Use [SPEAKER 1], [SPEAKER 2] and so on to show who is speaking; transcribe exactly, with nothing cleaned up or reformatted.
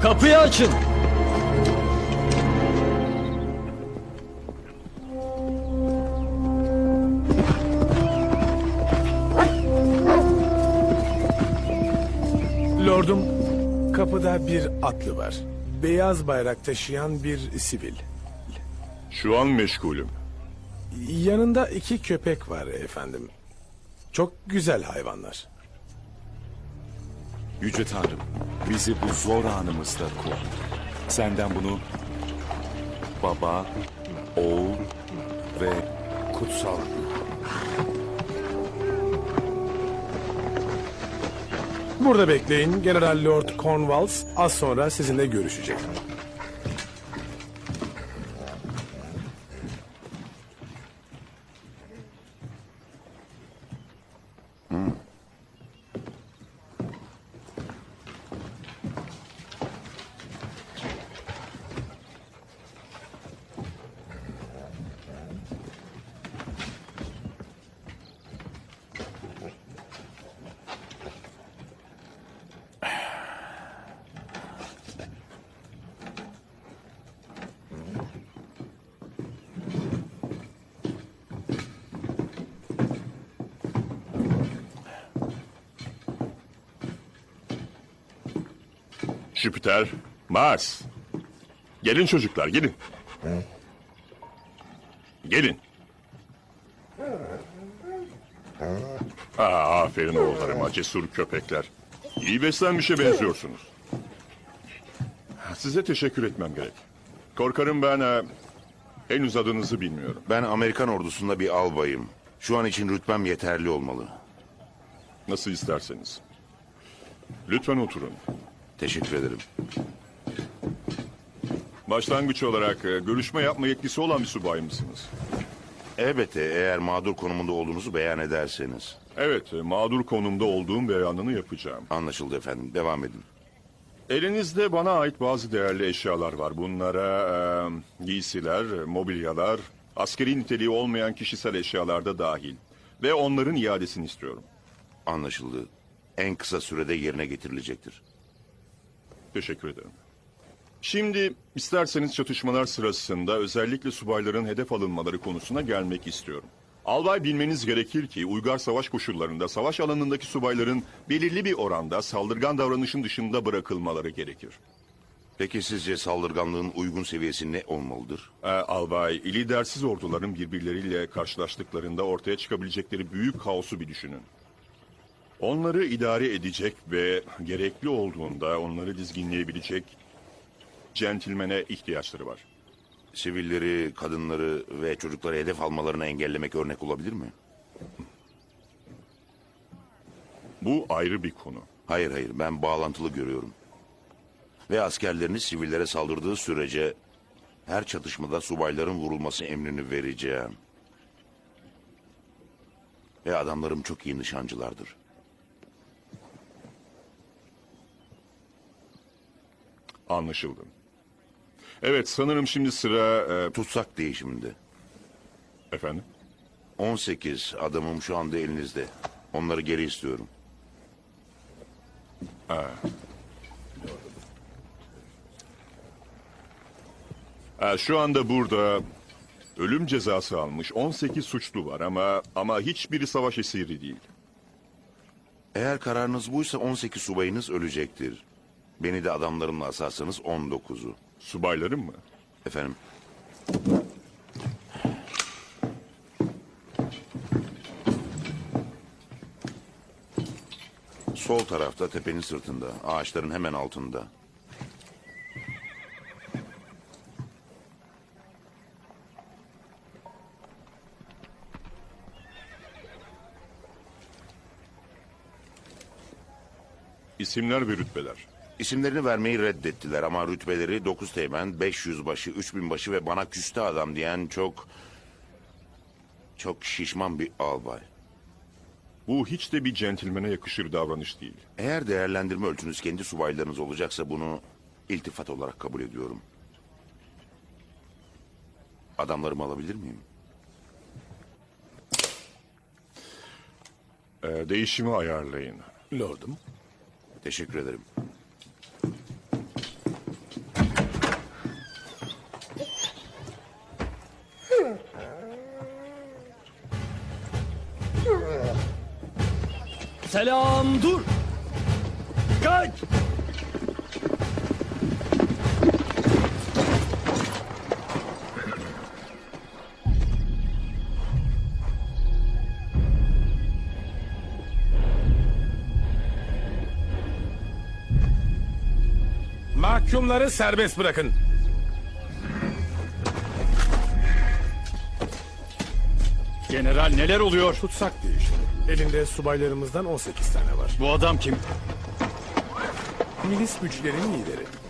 [SPEAKER 1] Kapıyı açın.
[SPEAKER 2] Lordum, kapıda bir atlı var. Beyaz bayrak taşıyan bir sivil.
[SPEAKER 3] Şu an meşgulüm.
[SPEAKER 2] Yanında iki köpek var efendim. Çok güzel hayvanlar.
[SPEAKER 4] Yüce Tanrım, bizi bu zor anımızda koru. Senden bunu Baba, Oğul ve Kutsal.
[SPEAKER 2] Burada bekleyin. General Lord Cornwallis az sonra sizinle görüşecek.
[SPEAKER 3] Jüpiter, Mars. Gelin çocuklar, gelin. Gelin. Aa, aferin oğullarıma, cesur köpekler. İyi beslenmişe benziyorsunuz. Size teşekkür etmem gerek. Korkarım ben e, henüz adınızı bilmiyorum.
[SPEAKER 5] Ben Amerikan ordusunda bir albayım. Şu an için rütbem yeterli olmalı.
[SPEAKER 3] Nasıl isterseniz. Lütfen oturun.
[SPEAKER 5] Teşekkür ederim.
[SPEAKER 3] Başlangıç olarak e, görüşme yapma yetkisi olan bir subay mısınız?
[SPEAKER 5] Elbette eğer mağdur konumunda olduğunuzu beyan ederseniz.
[SPEAKER 3] Evet, e, mağdur konumda olduğum beyanını yapacağım.
[SPEAKER 5] Anlaşıldı efendim. Devam edin.
[SPEAKER 3] Elinizde bana ait bazı değerli eşyalar var. Bunlara e, giysiler, mobilyalar, askeri niteliği olmayan kişisel eşyalar da dahil. Ve onların iadesini istiyorum.
[SPEAKER 5] Anlaşıldı. En kısa sürede yerine getirilecektir.
[SPEAKER 3] Teşekkür ederim. Şimdi isterseniz çatışmalar sırasında özellikle subayların hedef alınmaları konusuna gelmek istiyorum. Albay bilmeniz gerekir ki uygar savaş koşullarında savaş alanındaki subayların belirli bir oranda saldırgan davranışın dışında bırakılmaları gerekir.
[SPEAKER 5] Peki sizce saldırganlığın uygun seviyesi ne olmalıdır?
[SPEAKER 3] Ee, albay, lidersiz orduların birbirleriyle karşılaştıklarında ortaya çıkabilecekleri büyük kaosu bir düşünün. Onları idare edecek ve gerekli olduğunda onları dizginleyebilecek centilmene ihtiyaçları var.
[SPEAKER 5] Sivilleri, kadınları ve çocukları hedef almalarını engellemek örnek olabilir mi?
[SPEAKER 3] Bu ayrı bir konu.
[SPEAKER 5] Hayır hayır, ben bağlantılı görüyorum. Ve askerleriniz sivillere saldırdığı sürece her çatışmada subayların vurulması emrini vereceğim. Ve adamlarım çok iyi nişancılardır.
[SPEAKER 3] Anlaşıldı. Evet, sanırım şimdi sıra... e,
[SPEAKER 5] Tutsak değişiminde.
[SPEAKER 3] efendim?
[SPEAKER 5] on sekiz adamım şu anda elinizde. Onları geri istiyorum.
[SPEAKER 3] E, şu anda burada ölüm cezası almış on sekiz suçlu var ama ama hiçbiri savaş esiri değil.
[SPEAKER 5] Eğer kararınız buysa on sekiz subayınız ölecektir. Beni de adamlarımla asarsanız on dokuzu.
[SPEAKER 3] Subaylarım mı?
[SPEAKER 5] Efendim? Sol tarafta tepenin sırtında, ağaçların hemen altında.
[SPEAKER 3] İsimler ve rütbeler.
[SPEAKER 5] İsimlerini vermeyi reddettiler ama rütbeleri dokuz teğmen, beş yüzbaşı, üç binbaşı ve bana küste adam diyen çok... çok şişman bir albay.
[SPEAKER 3] Bu hiç de bir centilmene yakışır davranış değil.
[SPEAKER 5] Eğer değerlendirme ölçünüz kendi subaylarınız olacaksa bunu iltifat olarak kabul ediyorum. Adamlarımı alabilir miyim?
[SPEAKER 3] Ee, değişimi ayarlayın.
[SPEAKER 2] Lordum.
[SPEAKER 5] Teşekkür ederim.
[SPEAKER 1] Selam dur. Kaç.
[SPEAKER 2] Mahkumları serbest bırakın.
[SPEAKER 1] General neler oluyor?
[SPEAKER 2] Tutsak değişti. Elinde subaylarımızdan on sekiz tane var.
[SPEAKER 1] Bu adam kim?
[SPEAKER 2] Milis güçlerin lideri.